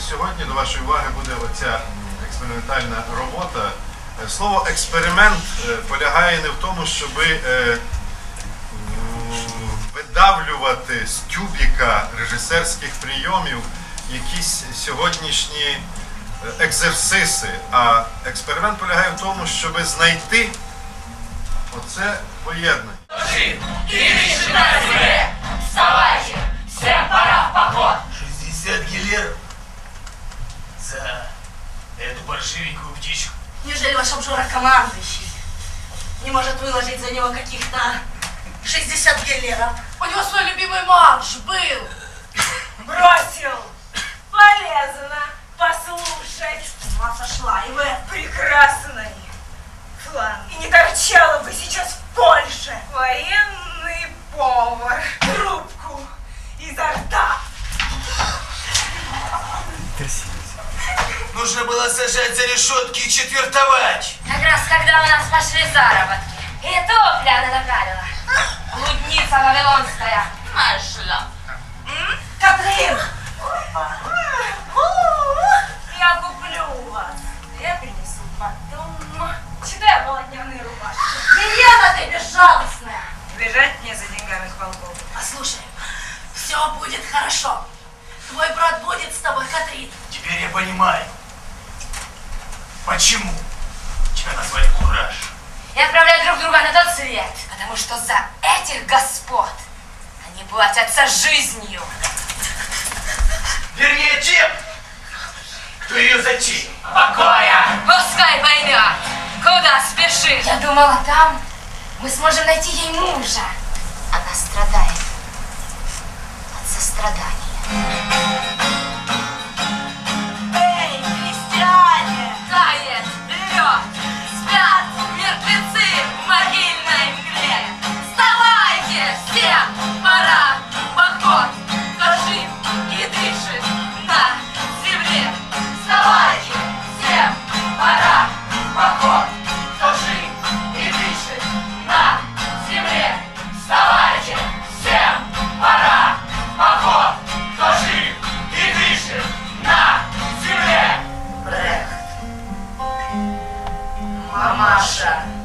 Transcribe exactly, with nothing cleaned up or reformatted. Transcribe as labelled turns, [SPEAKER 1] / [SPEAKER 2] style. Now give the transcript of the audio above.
[SPEAKER 1] сьогодні до вашої уваги буде оця експериментальна робота. Слово експеримент полягає не в тому, щоб видавлювати з тюбіка режисерських прийомів якісь сьогоднішні екзерсиси, а експеримент полягає в тому, щоб знайти оце поєднання.
[SPEAKER 2] Вставайте! Всем пора в поход!
[SPEAKER 3] шестьдесят гелеров за эту паршивенькую птичку.
[SPEAKER 4] Неужели ваш обжора командующий не может выложить за него каких-то шестьдесят гелеров?
[SPEAKER 5] У него свой любимый марш был.
[SPEAKER 4] Бросил! Полезно послушать. С ума сошла, и вы прекрасный план. И не торчала бы сейчас в Польше. Военный повар. Трубку изо рта.
[SPEAKER 3] Нужно было сажать за решетки и четвертовать.
[SPEAKER 2] Как раз когда у нас пошли заработки. И топля она направила. Блудница вавилонская. Нашла.
[SPEAKER 4] Катрин! Я куплю вас. Я принесу потом. Читай полотняные рубашки. Гиена ты безжалостная!
[SPEAKER 6] Бежать мне за деньгами к волку.
[SPEAKER 4] Послушай, все будет хорошо. Твой брат будет с тобой, Катрин.
[SPEAKER 3] Теперь я понимаю, почему тебя назвали Кураж.
[SPEAKER 2] И отправляют друг друга на тот свет. Потому что за этих господ они платятся жизнью.
[SPEAKER 3] Вернее, тем, кто ее затеял.
[SPEAKER 2] Покоя! Пускай поймет, куда спешит. Я думала, там мы сможем найти ей мужа. Она страдает от сострадания.
[SPEAKER 4] Эй, крестьяне!
[SPEAKER 2] Тает лед, спят мертвецы в могильной мгле. Вставайте, всем пора в поход. Кто жив и дышит на земле. Вставайте, всем пора в поход. Кто жив и дышит на земле. Вставайте, всем пора в поход. Кто жив и дышит на земле.
[SPEAKER 4] Мамаша.